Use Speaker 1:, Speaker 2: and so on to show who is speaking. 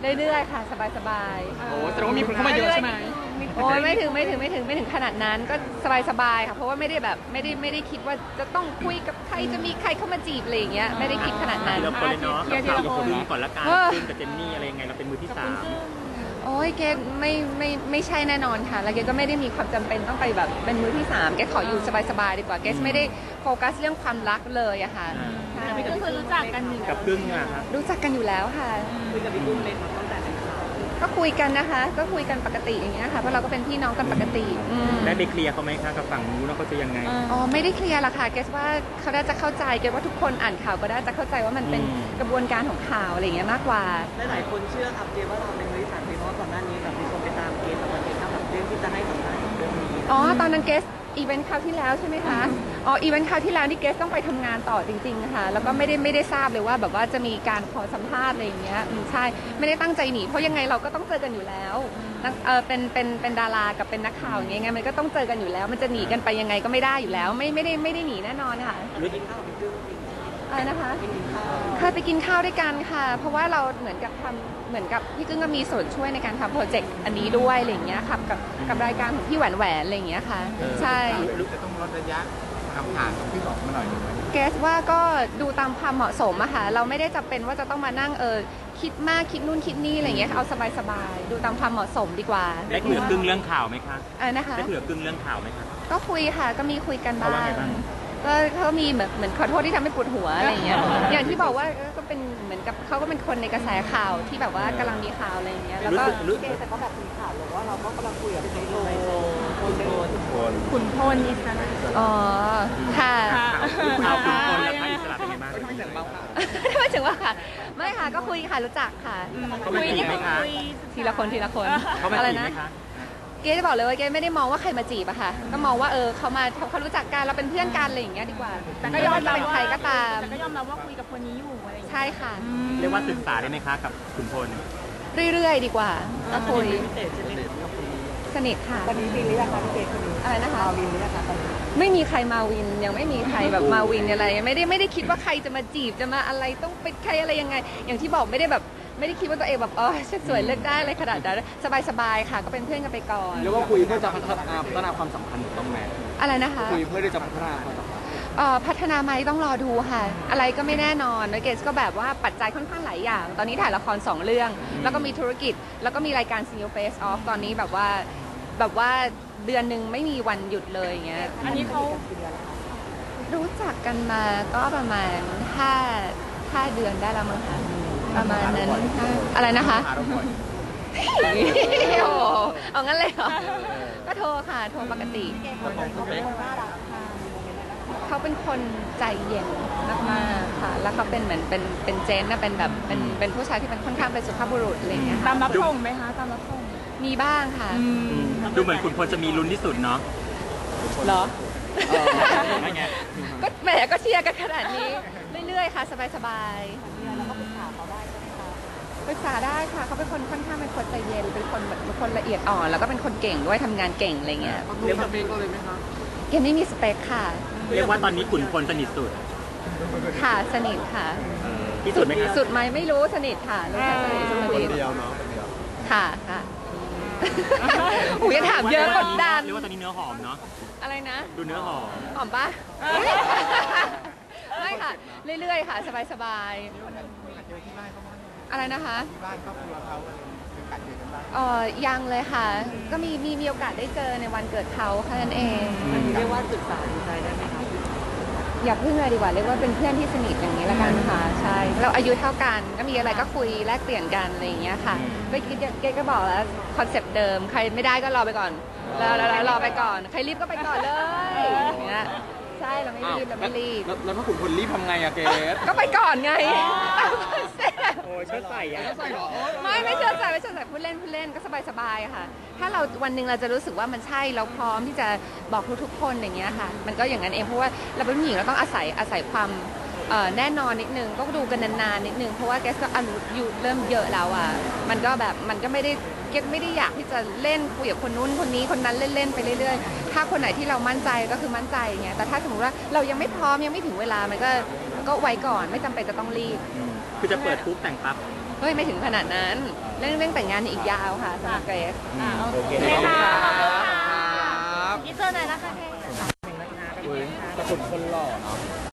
Speaker 1: เรื่อยๆค่ะสบาย
Speaker 2: โอ้แสดงว่ามีคนเข้ามาเยอะใช่ไหม
Speaker 1: ๆโอ้ยไม่ถึงขนาดนั้นก็สบายๆค่ะเพราะว่าไม่ได้แบบไม่ได้คิดว่าจะต้องคุยกับใครจะมีใครเข้ามาจีบอะไรอย่างเงี้ยไม่ได้คิดขนาดนั้น
Speaker 3: ทีละคนเลยเนาะกับข่าวกับพึ่งก่อนละกันพึ่งกับเจนนี่อะไรยังไงเราเป็นมือที่3
Speaker 1: โอ้ยเกดไม่ใช่แน่นอนค่ะแล้วเกดก็ไม่ได้มีความจำเป็นต้องไปแบบเป็นมือที่3เกดขออยู่สบายๆดีกว่าเกดไม่ได้โฟกัสเรื่องความรักเลยอะค่ะ
Speaker 4: ก็คือรู้จักกันอยู่
Speaker 3: กับพึ่งอะครับ
Speaker 1: รู้จักกันอยู่แล้วค่ะ
Speaker 2: คุยกับพี่พึ่งเลยตั้งแต่
Speaker 1: ก็คุยกันนะคะก็คุยกันปกติอย่างเงี้ยค่ะเพราะเราก็เป็นพี่น้องกันปกติ
Speaker 3: ได้ไปเคลียร์เขาไหมคะกับฝั่งนู้นว่าเขาจะยังไง
Speaker 1: อ๋อไม่ได้เคลียร์ละค่ะเกสว่าเขาได้จะเข้าใจเกสว่าทุกคนอ่านข่าวก็ได้จะเข้าใจว่ามันเป็นกระบวนการของข่าวอะไรอย่างเงี้ยมากกว่า
Speaker 2: หลายคนเชื่อครับเกว่าเราเป็นมือที่3เพราะว่าก่อนหน้านี้แบบมีคนไปตามเกกับวันเกครับแบบเรื่องที่จะให้สัมภาษณ์เรื่องนี้
Speaker 1: อ๋อตอนนั้นเกสอีเวนต์คราวที่แล้วใช่ไหมคะอ๋ออีเวนต์คราวที่แล้วนี่เกสต้องไปทำงานต่อจริงๆค่ะแล้วก็ไม่ได้ทราบเลยว่าแบบว่าจะมีการขอสัมภาษณ์อะไรอย่างเงี้ยใช่ไม่ได้ตั้งใจหนีเพราะยังไงเราก็ต้องเจอกันอยู่แล้วเป็นดารากับเป็นนักข่าวอย่างเงี้ยมันก็ต้องเจอกันอยู่แล้วมันจะหนีกันไปยังไงก็ไม่ได้อยู่แล้วไม่ได้หนีแน่นอนค่ะอะไรนะคะเคยไปกินข้าวด้วยกันค่ะเพราะว่าเราเหมือนกับพี่กึ้งก็มีส่วนช่วยในการทำโปรเจกต์อันนี้ด้วยอะไรอย่างเงี้ยครับกับรายการของพี่แหวนอะไรอย่างเงี้ยค่ะใช่
Speaker 3: จะต้องลดระยะคำถามของพี่บอกมาหน่อยหนึ่ง
Speaker 1: เกสว่าก็ดูตามความเหมาะสมอะค่ะเราไม่ได้จำเป็นว่าจะต้องมานั่งคิดมากคิดนู่นคิดนี่อะไรอย่างเงี้ยเอาสบายๆดูตามความเหมาะสมดีกว่า
Speaker 3: ได้คุยกับกึ้งเรื่องข่าวไหมคะ
Speaker 1: นะคะ
Speaker 3: ได้คุยกับกึ้งเรื่องข่าวไหมคะ
Speaker 1: ก็คุยค่ะก็มีคุยกันบ้างก็เขามีเหมือนขอโทษที่ทำให้ปวดหัวอะไรอย่างเงี้ยอย่างที่บอกว่าก็เป็นเหมือนกับเขาก็เป็นคนในกระแสข่าวที่แบบว่ากำลังมีข่าวอะไรอย่างเงี้ยแล้วก็
Speaker 2: แต่ก็แบบมีข่าวหรือว่าเราก็กำลังคุยกับไฮโซขุนพลอิสระ
Speaker 1: อ๋อค่ะ
Speaker 3: ข่าวขุนพลและพระอิสระเป็นไงบ้าง
Speaker 2: ไม่ถึงเบาค่ะ
Speaker 1: ไม่ถึงว่าค่ะไม่ค่ะก็คุยค่ะรู้จักค่ะ
Speaker 3: เขาไม่จีบไหมคะ
Speaker 1: ทีละคน
Speaker 3: เขาไม่จีบไหมคะ
Speaker 1: เกจะบอกเลยว่าเกไม่ได้มองว่าใครมาจีบอะค่ะก็มองว่าเขารู้จักกันเราเป็นเพื่อนกันอะไรอย่างเงี้ยดีกว่าแต่ก็ยอมรับเป็นใครก็ตาม
Speaker 4: แต่ก็ยอมรับว่าคุยกับคนนี้อยู่อะไร
Speaker 1: ใช่ค่ะ
Speaker 3: เรียกว่าศึกษาได้ไหมคะกับขุนพล
Speaker 1: เรื่อยๆดีกว่าก็คุยสนิทค่ะ
Speaker 2: ตอนนี้วินหรือยังคะพี่เกคนนี้
Speaker 1: อะไรนะคะ
Speaker 2: มาวินหรือยังคะตอนนี้
Speaker 1: ไม่มีใครมาวินยังไม่มีใครแบบมาวินอะไรไม่ได้คิดว่าใครจะมาจีบจะมาอะไรต้องเป็นใครอะไรยังไงอย่างที่บอกไม่ได้คิดว่าตัวเองแบบฉันสวยเลือกได้อะไรขนาดนั้นสบายๆค่ะก็เป็นเพื่อนกันไปก่อน
Speaker 2: เรียกว่าคุยเพื่อจะพัฒนาความสัมพันธ์ต้องแม่
Speaker 1: อะไรนะคะ
Speaker 2: คุยเพื่อที่จะพัฒนาความสัมพันธ์
Speaker 1: พัฒนาไหมต้องรอดูค่ะอะไรก็ไม่แน่นอนเกสก็แบบว่าปัจจัยค่อนข้างหลายอย่างตอนนี้ถ่ายละคร2 เรื่องแล้วก็มีธุรกิจแล้วก็มีรายการ Single Face Off ตอนนี้แบบว่าเดือนหนึ่งไม่มีวันหยุดเลยอย่างเงี้ย
Speaker 4: อันนี้เขา
Speaker 1: รู้จักกันมาก็ประมาณ5 เดือนได้แล้วมั้งคะประมาณนั้นอะไรนะคะโอ้เอางั้นเลยเหรอก็โทรค่ะโทรปกติเขาเป็นคนใจเย็นมากๆค่ะแล้วเขาเป็นเหมือนเป็นเจนนะเป็นแบบเป็นผู้ชายที่เป็นค่อนข้างเป็นสุภาพบุรุษอะไรอย่างเงี้ย
Speaker 4: ตามรับส่งไหมคะตามรับส่ง
Speaker 1: มีบ้างค่ะ
Speaker 3: ดูเหมือนขุนพลจะมีลุ้นที่สุดเนาะ
Speaker 1: เหรอก็แหมก็เชียร์กันขนาดนี้เรื่อยๆค่ะสบายๆแล้วก็ปรึกษาเขาได้ใช่ไหมคะปรึกษาได้ค่ะเขาเป็นคนค่อนข้างเป็นคนใจเย็นเป็นคนละเอียดอ่อนแล้วก็เป็นคนเก่งด้วยทำงานเก่งอะไรเงี้ย
Speaker 2: เรียกสเปคก็เลยไหมคะ
Speaker 1: เกมไม่มีสเปคค่ะ
Speaker 3: เรียกว่าตอนนี้ขุนพลสนิทสุด
Speaker 1: ค่ะสนิทค่ะ
Speaker 3: ที่สุดไหมคะ
Speaker 1: สุดไหมไม่รู้สนิทค่ะรู้จักสนิท
Speaker 2: คนเดียวเนาะ
Speaker 1: ค่ะโอ้ยถามเยอะกดดัน
Speaker 3: เรียกว่าตอนนี้เนื้อหอมเนาะ
Speaker 1: อะไรนะ
Speaker 3: ดูเนื้อหอม
Speaker 1: ปะไม่ค่ะเรื่อยๆค่ะสบายๆอะไรนะคะ
Speaker 2: ที่บ้านครอบครัวเขา
Speaker 1: ยังเลยค่ะก็มีโอกาสได้เจอในวันเกิดเขาแค่นั้นเอง
Speaker 2: เรียกว่าศึกษาดูใจได้ไหมคะ
Speaker 1: อย่าพึ่งเลยดีกว่าเรียกว่าเป็นเพื่อนที่สนิทอย่างนี้ละกันค่ะใช่เราอายุเท่ากันก็มีอะไรก็คุยแลกเปลี่ยนกันอะไรอย่างเงี้ยค่ะเกก็บอกแล้วคอนเซปต์เดิมใครไม่ได้ก็รอไปก่อนแล้วรอไปก่อนใครรีบก็ไปก่อนเลยอย่างเงี้ยใช่เราไม่รีบ
Speaker 2: แล้วถ้าขุนพลรีบทำไงอะเกส
Speaker 1: ก็ไปก่อนไง
Speaker 3: โอ้ยเชิดใส่อะ
Speaker 1: ไม่เชิดใส่พูดเล่นก็สบายค่ะถ้าเราวันหนึ่งเราจะรู้สึกว่ามันใช่เราพร้อมที่จะบอกทุกคนอย่างเงี้ยค่ะมันก็อย่างนั้นเองเพราะว่าเราเป็นผู้หญิงเราต้องอาศัยความแน่นอนนิดนึงก็ดูกันนานๆนิดนึงเพราะว่าแกก็อายุเริ่มเยอะแล้วอ่ะมันก็แบบมันก็ไม่ได้อยากที่จะเล่นคุยกับคนนู้นคนนี้คนนั้นเล่นไปเรื่อยๆถ้าคนไหนที่เรามั่นใจก็คือมั่นใจไงแต่ถ้าสมมติว่าเรายังไม่พร้อมยังไม่ถึงเวลามันก็ไว้ก่อนไม่จำเป็นจะต้องรีบ
Speaker 3: คือจะเปิดปุ๊บแต่งปั๊บ
Speaker 1: เฮ้ยไม่ถึงขนาดนั้นเรื่องแต่งงานอีกยาวค่ะสำหรับเกรซ
Speaker 5: โอเค
Speaker 4: ค่ะ
Speaker 5: ครับ
Speaker 4: นี่เจอไหนอยนะคะเกรซ
Speaker 5: อุ้ยแต่คุณคนหล่อเนาะ